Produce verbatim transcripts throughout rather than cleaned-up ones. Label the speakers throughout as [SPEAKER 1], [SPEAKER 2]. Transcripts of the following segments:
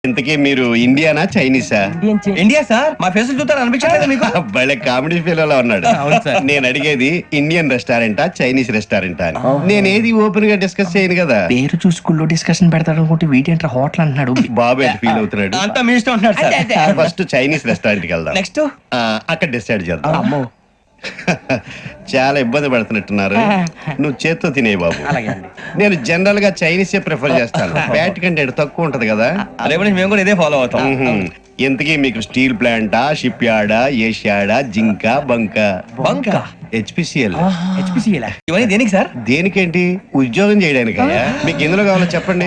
[SPEAKER 1] ఇంతకీ మీరు ఇండియానా చైనీసా?
[SPEAKER 2] India sir. మా ఫేస్ చూస్తారు అనిపించలేదు మీకు?
[SPEAKER 1] భలే కామెడీ ఫీల్ లో ఉన్నాడు. నేను అడిగేది ఇండియన్ రెస్టారెంటా చైనీస్ రెస్టారెంటా అని. నేను ఏది ఓపెన్ గా డిస్కస్ చేయను కదా.
[SPEAKER 3] పేరు చూసుకుల్లో డిస్కషన్ పెడతాడు అనుకుంటే వీటేంట్రా హోటల్ అంటున్నాడు.
[SPEAKER 1] బాబు ఎట్ ఫీల్ అవుతున్నాడు.
[SPEAKER 2] అంతా మీ ఇష్టం ఉంటున్నాడు సార్.
[SPEAKER 1] ఫస్ట్ చైనీస్ రెస్టారెంట్ కి వెళ్దాం.
[SPEAKER 2] నెక్స్ట్
[SPEAKER 1] అక్కడ డిసైడ్ చేద్దాం. చాలా ఇబ్బంది పడుతున్నట్టున్నారు. నువ్వు చేత్తో తినే బాబు. నేను జనరల్ గా చైనీసే ప్రిఫర్ చేస్తాను. బ్యాట్ కంటే తక్కువ ఉంటది కదా.
[SPEAKER 2] రేపు మేము కూడా ఇదే ఫాలో అవుతాం.
[SPEAKER 1] ఎంతకీ మీకు స్టీల్ ప్లాంటా, షిప్ యార్డా, ఏషియాడా, జింక, బంక?
[SPEAKER 2] బంక
[SPEAKER 1] హెచ్పిసిఎల్.
[SPEAKER 2] ఇవన్నీ దేనికి సార్?
[SPEAKER 1] దేనికేంటి? ఉద్యోగం చేయడానికి. మీకు ఎందులో కావాలో చెప్పండి.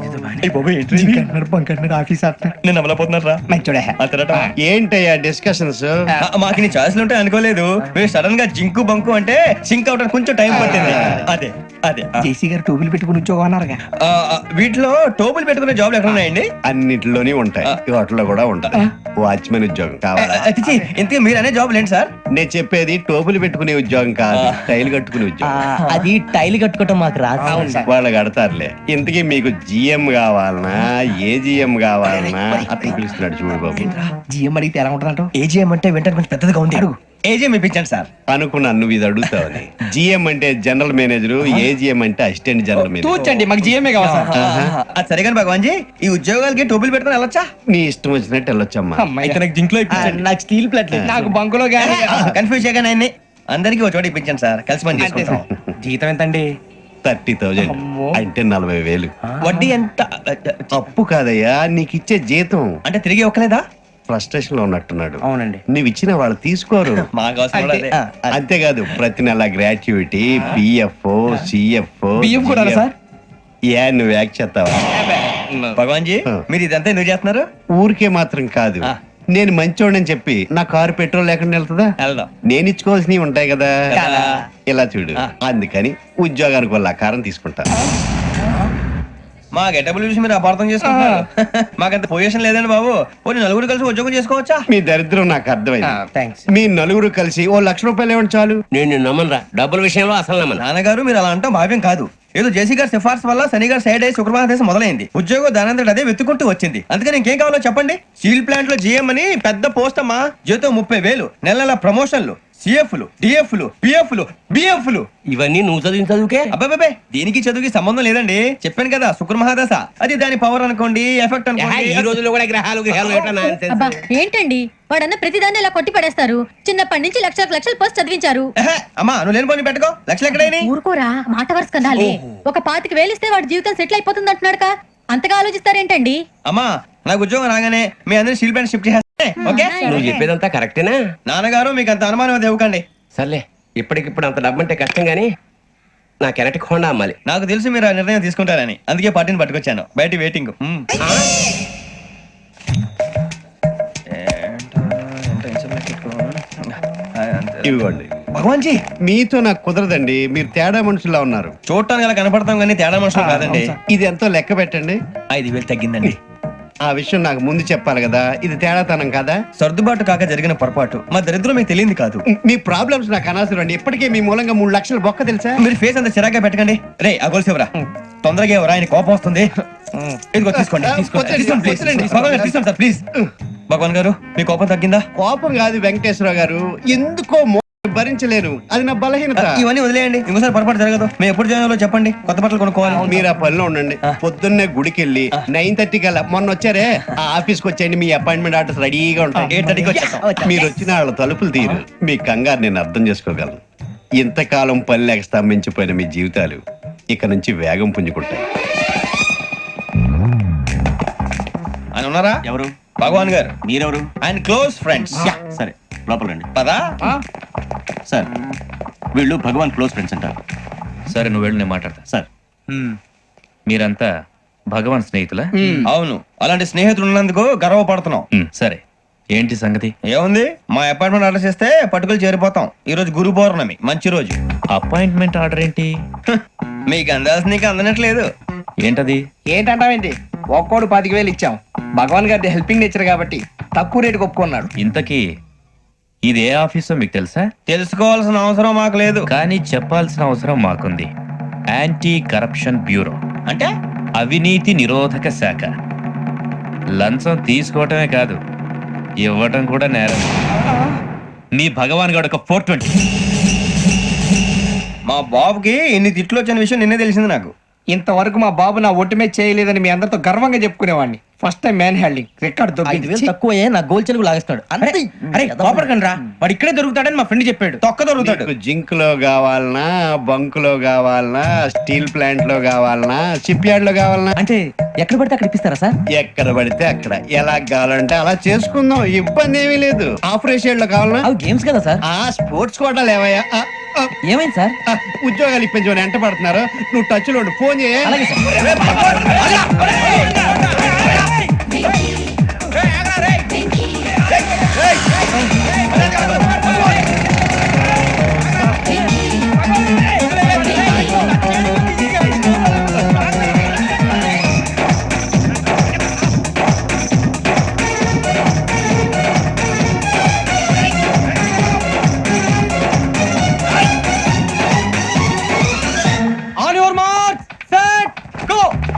[SPEAKER 2] నేను అమలపోతున్నారా?
[SPEAKER 1] ఏంటయ్యా డిస్కషన్స్?
[SPEAKER 2] మాకు నీ ఛాయిస్లు ఉంటాయి అనుకోలేదు. మీరు సడన్ గా జింకు బంకు అంటే సింక్ అవడానికి కొంచెం టైం పట్టింది. అదే అదే
[SPEAKER 3] జేసీ గారు టోపీలు పెట్టుకుని ఉద్యోగం అన్నారుగా.
[SPEAKER 2] వీటిలో టోపులు పెట్టుకునే జాబ్లు ఎక్కడ ఉన్నాయండి?
[SPEAKER 1] అన్నిటిలోనే ఉంటాయి. వాటిలో కూడా ఉంటాయి. వాచ్మెన్ ఉద్యోగం కావాలా?
[SPEAKER 2] ఇంతకీ మీరు అనే జాబ్ లేండి సార్?
[SPEAKER 1] నేను చెప్పేది టోపులు పెట్టుకునే ఉద్యోగం కాదు, టైల్ కట్టుకునే ఉద్యోగం.
[SPEAKER 3] అది టైల్ కట్టుకోవటం మాకు రాదు.
[SPEAKER 1] వాళ్ళు కడతారులే. ఇంతకీ మీకు జిఎం కావాలనా, ఏ జిఎం కావాలనా? అతను పిలుస్తున్నాడు చూడు బాబు.
[SPEAKER 3] జిఎం అడిగితే ఎలా ఉంటుందంట?
[SPEAKER 2] ఏజిఎం అంటే వెంటనే కొంచెం పెద్దదిగా ఉంది. అడుగు. ఏజిఎం ఇప్పించండి సార్.
[SPEAKER 1] అనుకున్నాను నువ్వు ఇది అడుగుతావని. జిఎం అంటే జనరల్ మేనేజర్, ఏజిఎం అంటే అసిస్టెంట్ జనరల్ మేనేజర్.
[SPEAKER 3] తూచండి, మాకు జిఎంఏ కావాలి సార్.
[SPEAKER 2] అది సరే కానీ భగవాన్ జీ, ఈ ఉద్యోగాలకి టోపులు పెట్టుకుని వెళ్ళొచ్చా?
[SPEAKER 1] నీ ఇష్టం వచ్చినట్టు వెళ్ళొచ్చమ్మా.
[SPEAKER 3] నాకు స్టీల్ ప్లేట్, నాకు బంకులో గానీ
[SPEAKER 2] కన్ఫ్యూజ్ చేయగానే ఆయన్ని అందరికీ ఒక చోట ఇప్పించండి సార్. కలిసి పని చేసుకుంటాం.
[SPEAKER 3] జీతం ఎంతండి?
[SPEAKER 1] థర్టీ థౌజండ్ అంటే నలభై వేలు.
[SPEAKER 2] వడ్డీ ఎంత?
[SPEAKER 1] అప్పు కాదయ్యా, నీకు ఇచ్చే జీతం.
[SPEAKER 2] అంటే తిరిగి ఒక్కలేదా?
[SPEAKER 1] ఫ్రస్ట్రేషన్ లో ఉన్నట్టున్నాడు.
[SPEAKER 3] అవునండి.
[SPEAKER 1] నువ్వు ఇచ్చిన వాళ్ళు తీసుకోరు.
[SPEAKER 2] మాకు అవసరం కూడా అదే.
[SPEAKER 1] అంతేకాదు ప్రతి నెల గ్రాట్యుటీ, పిఎఫ్, సిఎఫ్.
[SPEAKER 3] బియ్యం కూడా సార్?
[SPEAKER 1] ఏ నువ్వు యాక్ట్ చేస్తావా?
[SPEAKER 2] భగవాన్ జీ, మీరు ఇదంతా ఎందుకు చేస్తున్నారు?
[SPEAKER 1] ఊరికే మాత్రం కాదు. నేను మంచోడని చెప్పి నా కారు పెట్రోల్ లేకుండా వెళ్తుందా?
[SPEAKER 2] వెళ్దాం.
[SPEAKER 1] నేను ఇచ్చుకోవాల్సినవి ఉంటాయి కదా. ఇలా చూడు, అందుకని ఉద్యోగానికి వాళ్ళ ఆకారం తీసుకుంటా.
[SPEAKER 2] మా గెటబుల్ చూసి మీరు అపార్థం చేసుకుంటున్నారు. మాకంత పొజిషన్ లేదండి బాబు. పోనీ నలుగురు కలిసి ఉద్యోగం చేసుకోవచ్చా?
[SPEAKER 1] మీ దరిద్రం నాకు అర్థమైంది.
[SPEAKER 3] థ్యాంక్స్.
[SPEAKER 1] మీ నలుగురు కలిసి ఓ లక్ష రూపాయలు ఇవ్వండి చాలు.
[SPEAKER 4] నేను నమ్మనరా, డబ్బుల విషయంలో అసలు నమ్మను.
[SPEAKER 2] నాన్నగారు మీరు అలా అంటాం భావ్యం కాదు. ఏదో జేసీ గారి సిఫార్సు వల్ల శని గారు సైడ్ అయ్యి శుక్రవారం దేశం మొదలైంది. ఉద్యోగం దానంతటి అదే వెతుకుంటూ వచ్చింది. అందుకని ఇంకేం కావాలో చెప్పండి. స్టీల్ ప్లాంట్ లో జిఎం అని పెద్ద పోస్ట్ అమ్మా. జీతం ముప్పై వేలు, నెల నెల ప్రమోషన్లు, సిఎఫ్లు, డిఎఫ్లు, పిఎఫ్లు, బిఎఫ్లు.
[SPEAKER 4] ఇవన్నీ నువ్వు చదివిన చదువుకే?
[SPEAKER 2] అబ్బాబే, దీనికి చదువుకి సంబంధం లేదండి. చెప్పాను కదా, శుక్ర మహాదశ. అది దాని పవర్ అనుకోండి, ఎఫెక్ట్ అనుకోండి.
[SPEAKER 4] ఈ రోజుల్లో కూడా గ్రహాలు గ్రహాలు
[SPEAKER 5] అబ్బా ఏంటండి వాడన్న ప్రతిదాన్ని ఇలా కొట్టి పడేస్తారు. చిన్నప్పటి నుంచి లక్షలకు లక్షలు పోస్ట్ చదివించారు.
[SPEAKER 2] అమ్మా నువ్వు లేని పోనీ పెట్టుకో. లక్షలు ఎక్కడైనా
[SPEAKER 5] ఊరుకోరా, మాట వరుస కదాలే. ఒక పాతికి వేలిస్తే వాడి జీవితం సెటిల్ అయిపోతుంది అంటున్నాడుగా. అంతగా ఆలోచిస్తారేంటండి?
[SPEAKER 2] అమ్మా నాకు ఉద్యోగం రాగానే మీ అందరినీ స్టీల్ ప్లాంట్ షిఫ్ట్ చేస్తే ఓకే?
[SPEAKER 4] నువ్వు చెప్పేదంతా కరెక్టేనా?
[SPEAKER 2] నాన్నగారు మీకు అంత అనుమానం అది ఇవ్వకండి.
[SPEAKER 4] సర్లే, ఇప్పటికిప్పుడు అంత డబ్బు అంటే కష్టం గానీ నా కెనటిక్ హోండా అమ్మాలి.
[SPEAKER 2] నాకు తెలుసు మీరు ఆ నిర్ణయం తీసుకుంటారని, అందుకే పార్టీని పట్టుకొచ్చాను. బయట వెయిటింగ్.
[SPEAKER 1] ఇవ్వండి.
[SPEAKER 2] భగవాన్ జీ,
[SPEAKER 1] మీతో నాకు కుదరదండి. మీరు తేడా మనుషుల్లా ఉన్నారు.
[SPEAKER 2] చూడటానికి అలా కనపడతాం కానీ తేడా మనుషులు కాదండి.
[SPEAKER 1] ఇది ఎంతో లెక్క పెట్టండి.
[SPEAKER 2] ఐదు వేలు తగ్గిందండి.
[SPEAKER 1] ఆ విషయం నాకు ముందు చెప్పాలి కదా. ఇది తేడాతనం కదా.
[SPEAKER 2] సర్దుబాటు కాక జరిగిన పొరపాటు. మా దరిద్రం మీకు తెలియదు కాదు.
[SPEAKER 1] మీ ప్రాబ్లమ్స్ నాకు అనవసరం అండి. ఇప్పటికే మీ మూలంగా మూడు లక్షలు బొక్క తెలుసా.
[SPEAKER 2] మీరు ఫేస్ అంత చిరాగ్గా పెట్టకండి. రే ఆ గొలుసు ఎవరా? తొందరగా ఎవరా? ఆయన కోపం వస్తుంది. ఇదిగో తీసుకోండి. తీసుకోండి తీసుకోండి సార్ ప్లీజ్. భగవాన్ గారు మీ కోపం తగ్గిందా?
[SPEAKER 1] కోపం కాదు వెంకటేశ్వరరావు గారు, ఎందుకో భరించలేను. అది నా బలహీనత.
[SPEAKER 2] ఇవన్నీ వదిలేయండి. ఇంకోసారి పొరపాటు జరగదు. మేము ఎప్పుడు జాయిన్ చెప్పండి. కొత్త బట్టలు కొనుక్కోవాలి.
[SPEAKER 1] మీరు ఆ పనిలో ఉండండి. పొద్దున్నే గుడికి వెళ్ళి నైన్ థర్టీ కల్లా, మొన్న వచ్చారే ఆ ఆఫీస్కి వచ్చేయండి. మీ అపాయింట్మెంట్ ఆర్డర్స్ రెడీగా ఉంటాయి.
[SPEAKER 2] ఎయిట్ థర్టీకి వచ్చేస్తాం.
[SPEAKER 1] మీరు వచ్చిన వాళ్ళ తలుపులు తీరు. మీ కంగారు నేను అర్థం చేసుకోగలను. ఇంతకాలం పని లేక స్తంభించిపోయిన మీ జీవితాలు ఇక నుంచి వేగం పుంజుకుంటాయి.
[SPEAKER 2] ఆయన ఉన్నారా?
[SPEAKER 6] ఎవరు?
[SPEAKER 2] భగవాన్ గారు.
[SPEAKER 6] మీరెవరు?
[SPEAKER 2] ఆయన క్లోజ్ ఫ్రెండ్స్.
[SPEAKER 6] సరే లోపల రండి.
[SPEAKER 2] పదా
[SPEAKER 6] సార్, వీళ్ళు భగవాన్ క్లోజ్ ఫ్రెండ్స్ అంటారు.
[SPEAKER 7] సరే నువ్వు వెళ్ళి నేను మాట్లాడతా.
[SPEAKER 6] సార్,
[SPEAKER 7] మీరంతా భగవాన్ స్నేహితులా?
[SPEAKER 2] అవును, అలాంటి స్నేహితులు ఉన్నందుకు గర్వపడుతున్నాం.
[SPEAKER 7] మ్, సరే ఏంటి సంగతి?
[SPEAKER 2] ఏముంది, మా అపాయింట్మెంట్ ఆర్డర్ చేస్తే పట్టుకులు చేరిపోతాం. ఈ రోజు గురు పౌర్ణమి, మంచి రోజు.
[SPEAKER 7] అపాయింట్మెంట్ ఆర్డర్ ఏంటి?
[SPEAKER 2] మీకు అందాల్సి నీకు అందనట్లేదు.
[SPEAKER 7] ఏంటది?
[SPEAKER 3] ఏంటంటావేంటి? ఒక్కోడు పాతిక వేలు ఇచ్చాం. భగవాన్ గారి హెల్పింగ్ నేచర్ కాబట్టి తక్కువ రేటుకి ఒప్పుకున్నాడు.
[SPEAKER 7] ఇంతకీ ఇది ఏ ఆఫీసో మీకు తెలుసా?
[SPEAKER 2] తెలుసుకోవాల్సిన అవసరం మాకు లేదు,
[SPEAKER 7] కానీ చెప్పాల్సిన అవసరం మాకుంది. యాంటీ కరప్షన్ బ్యూరో
[SPEAKER 2] అంటే
[SPEAKER 7] అవినీతి నిరోధక శాఖ. లంచం తీసుకోవటమే కాదు ఇవ్వటం కూడా నేరం. మీ భగవాన్ గారు ఒక ఫోర్ ట్వంటీ.
[SPEAKER 2] మా బాబుకి ఇన్ని తిట్లు వచ్చిన విషయం నిన్నే తెలిసింది నాకు.
[SPEAKER 3] ఇంతవరకు మా బాబు నా ఒట్టుమే చేయలేదని మీ అందరితో గర్వంగా చెప్పుకునేవాడిని. First time man handing record దొబ్బింది.
[SPEAKER 8] తక్కువే నా గోల్ చెలుగు లాగేస్తాడు.
[SPEAKER 2] అరే అరే కోపడకండి రా, వాడు ఇక్కడే దొరుకుతాడని మా ఫ్రెండ్ చెప్పాడు. తొక్క దొరుకుతాడు.
[SPEAKER 1] నీకు జింక్ లో కావాలనా, బంక్ లో కావాలనా, స్టీల్ ప్లాంట్ లో కావాలనా, షిప్ యార్డ్ లో కావాలనా,
[SPEAKER 8] అంటే ఎక్కడ పడితే అక్కడ ఇప్పిస్తారా సార్?
[SPEAKER 1] ఎక్కడ పడితే అక్కడ ఎలా కావాలంటే అలా చేసుకుందాం, ఇబ్బంది ఏమీ లేదు. ఆపరేషన్ లో కావాలనా,
[SPEAKER 8] అవి గేమ్స్ కదా సార్.
[SPEAKER 1] ఆ స్పోర్ట్స్ కోటా లేవయ్యా. ఆ, ఆ,
[SPEAKER 8] ఏమైంది సార్?
[SPEAKER 1] ఆ, ఉద్యోగాలు ఇప్పించమని ఎంట పడుతున్నారు. నువ్వు టచ్ లో ఉండు, ఫోన్ చేయ.
[SPEAKER 8] అలాగే sir.
[SPEAKER 2] On your mark set go.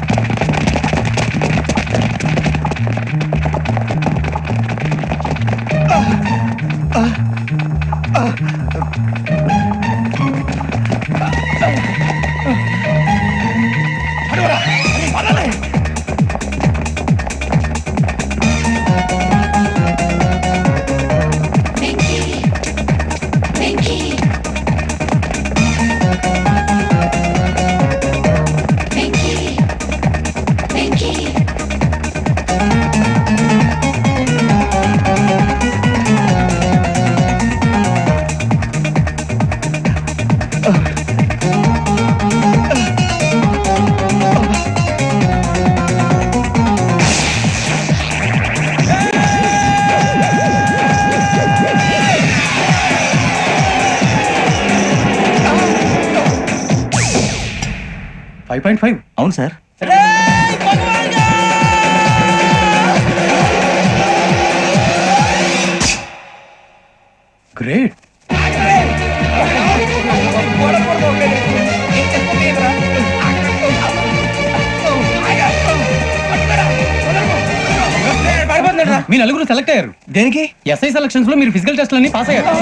[SPEAKER 6] Five point five అవును సార్. గ్రేట్.
[SPEAKER 9] మీ నలుగురు సెలెక్ట్ అయ్యారు.
[SPEAKER 2] దేనికి?
[SPEAKER 9] ఎస్ఐ సెలక్షన్స్ లో మీరు ఫిజికల్ టెస్ట్ అన్ని పాస్ అయ్యారు.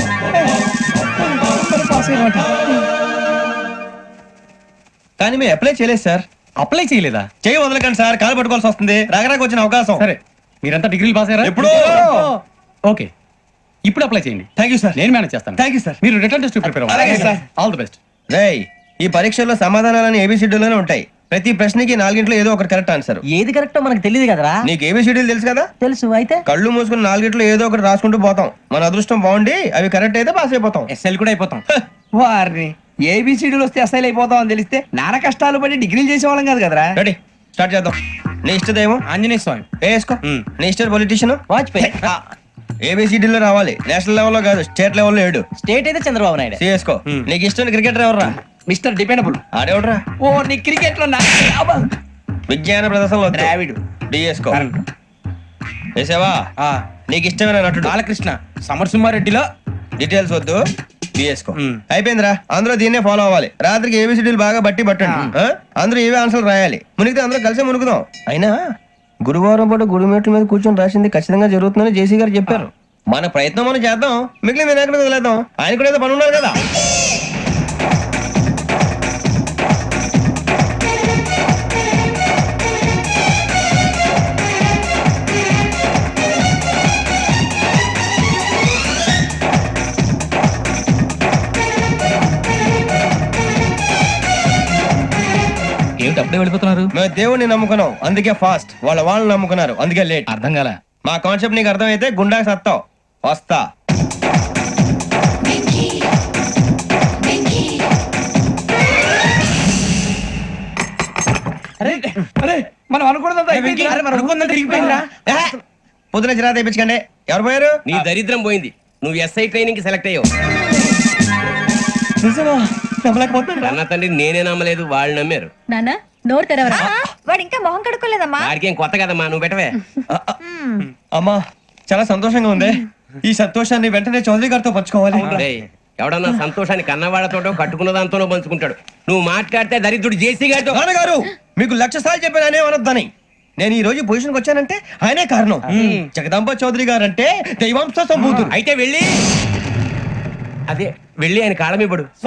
[SPEAKER 2] కానీ మేము అప్లై చేయలేదు సార్.
[SPEAKER 9] అప్లై చేయలేదా?
[SPEAKER 2] చేయి వదలకండి సార్, కాలు పట్టుకోవాల్సి వస్తుంది. రాగరాకు వచ్చిన అవకాశం.
[SPEAKER 9] సరే, మీరంతా డిగ్రీలు పాస్ అయ్యారా?
[SPEAKER 2] ఎప్పుడో.
[SPEAKER 9] ఓకే, ఇప్పుడు అప్లై చేయండి.
[SPEAKER 2] Thank you sir.
[SPEAKER 9] నేను మేనేజ్ చేస్తాను.
[SPEAKER 2] Thank you sir.
[SPEAKER 9] మీరు రిటర్న్ టెస్ట్ ప్రిపేర్
[SPEAKER 2] అలాగే సార్.
[SPEAKER 9] All the best.
[SPEAKER 2] రేయ్, ఈ పరీక్షల్లో సమాధానాలని ఏబిసిడ్యూల్లోనే ఉంటాయి. ప్రతి ప్రశ్నకి నాలుగింట్లో ఏదో ఒకటి కరెక్ట్ ఆన్సర్.
[SPEAKER 8] ఏది కరెక్టో మనకు తెలియదు కదరా.
[SPEAKER 2] నీకు ఏబిసిడ్యూల్ తెలుసు కదా?
[SPEAKER 8] తెలుసు. అయితే
[SPEAKER 2] కళ్ళు మూసుకుని నాలుగింట్లో ఏదో ఒకటి రాసుకుంటూ పోతాం. మన అదృష్టం బాగుండి అవి కరెక్ట్ అయితే పాస్ అయిపోతాం.
[SPEAKER 3] ఎస్ఎల్ కూడా అయిపోతాం. వారిని ఏబిసిడీలు వస్తే ఎస్ఐలు అయిపోతాం అని తెలిస్తే నాన్న కష్టాలు పడి డిగ్రీలు చేసేవాళ్ళం కాదు కదరా.
[SPEAKER 2] రెడీ, స్టార్ట్ చేద్దాం. నీ ఇష్టదేమో
[SPEAKER 3] ఆంజనేయ స్వామి.
[SPEAKER 2] వేసుకో. నీ ఇష్ట పొలిటీషియన్
[SPEAKER 8] వాజ్పేయి.
[SPEAKER 2] ఏబిసిడీలో రావాలి. నేషనల్ లెవెల్లో కాదు, స్టేట్ లెవెల్లో ఏడు.
[SPEAKER 8] స్టేట్ అయితే చంద్రబాబు నాయుడు.
[SPEAKER 2] సిఎస్కో. నీకు ఇష్టం క్రికెటర్ ఎవర్రా?
[SPEAKER 3] Mister dependable.
[SPEAKER 2] ఆడేవడరా?
[SPEAKER 3] ఓ నీ క్రికెట్ లో
[SPEAKER 2] విజ్ఞాన ప్రదర్శనలో
[SPEAKER 3] ద్రావిడు.
[SPEAKER 2] డిఎస్కో. వేసావా? నీకు ఇష్టమైన నటుడు?
[SPEAKER 3] బాలకృష్ణ. సమర్సింహారెడ్డిలో
[SPEAKER 2] డీటెయిల్స్ వద్దు, బిఎస్కో. అయిపోయిందిరా. అందరూ దీన్నే ఫాలో అవ్వాలి. రాత్రికి ఏబిసిడీలు బాగా బట్టి పట్టండి. ఆ? అందరూ ఏవే ఆన్సర్లు రాయాలి. మునిగితే అందరూ కలిసి మునుగుదాం. అయినా గురువారం పాటు గురుమేట్ల మీద కూర్చొని రాసింది ఖచ్చితంగా జరుగుతుందని జేసీ గారు చెప్పారు. మన ప్రయత్నం మనం చేద్దాం, మిగిలిన వినాయకుడు వదిలేద్దాం. ఆయన కూడా ఏదో పని ఉన్నారు కదా.
[SPEAKER 9] ఏమిటి అప్పుడే వెళ్ళిపోతున్నారు?
[SPEAKER 2] మేము దేవుడిని నమ్ముకున్నాం, అందుకే ఫాస్ట్. వాళ్ళ వాళ్ళు నమ్ముకున్నారు, అందుకే లేట్.
[SPEAKER 9] అర్థం కాల.
[SPEAKER 2] మా కాన్సెప్ట్ నీకు అర్థమైతే గుండాకి సత్తావు. వస్తా.
[SPEAKER 3] మనం అనుకున్నదంతా
[SPEAKER 2] పొద్దున చిరా తెప్పించకండి. ఎవరు పోయారు?
[SPEAKER 4] నీ దరిద్రం పోయింది. నువ్వు ఎస్ఐ ట్రైనింగ్ కి సెలెక్ట్ అయ్యావు. అన్న తండ్రి నేనే నమ్మలేదు, వాళ్ళు నమ్మారు.
[SPEAKER 5] నాన్న నోరు తెరవరా.
[SPEAKER 10] వాడు ఇంకా మొహం కడుక్కోలేదమ్మా.
[SPEAKER 4] వాడికి ఏం కొత్త కదమ్మా, నువ్వు పెట్టవే.
[SPEAKER 2] అమ్మా, చాలా సంతోషంగా ఉంది. ఈ సంతోషాన్ని వెంటనే చౌదరి గారితో పంచుకోవాలి.
[SPEAKER 4] డేయ్, ఎవడన్నా సంతోషాన్ని కన్నవాళ్లతోటో కట్టుకున్న దాంతోనో పంచుకుంటాడు. నువ్వు మాట్లాడితే దరిద్రుడు జేసీ గారితో.
[SPEAKER 2] నాన్నగారు, మీకు లక్ష సార్లు చెప్పాననే అనొద్దని. నేను ఈ రోజు పొజిషన్కి వచ్చానంటే ఆయనే కారణం. జగదాంబ చౌదరి గారు అంటే దైవాంశ సంభూతుడు.
[SPEAKER 4] అయితే వెళ్ళి అదే వెళ్ళి ఆయన కాళ్ళ మీద పడు.